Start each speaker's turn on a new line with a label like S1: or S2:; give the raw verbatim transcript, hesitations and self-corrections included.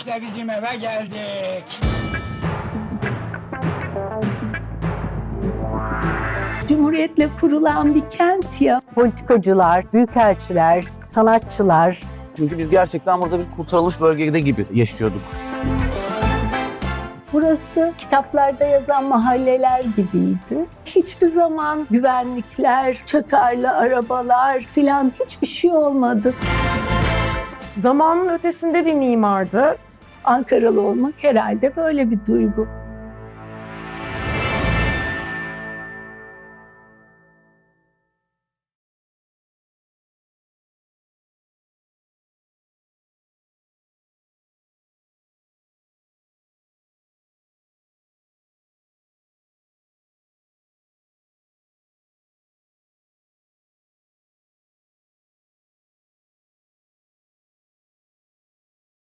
S1: İşte bizim eve geldik.
S2: Cumhuriyetle kurulan bir kent ya.
S3: Politikacılar, büyükelçiler, sanatçılar.
S4: Çünkü biz gerçekten burada bir kurtarılmış bölgede gibi yaşıyorduk.
S2: Burası kitaplarda yazan mahalleler gibiydi. Hiçbir zaman güvenlikler, çakarlı arabalar filan hiçbir şey olmadı.
S5: Zamanın ötesinde bir mimardı.
S2: Ankaralı olmak herhalde böyle bir duygu.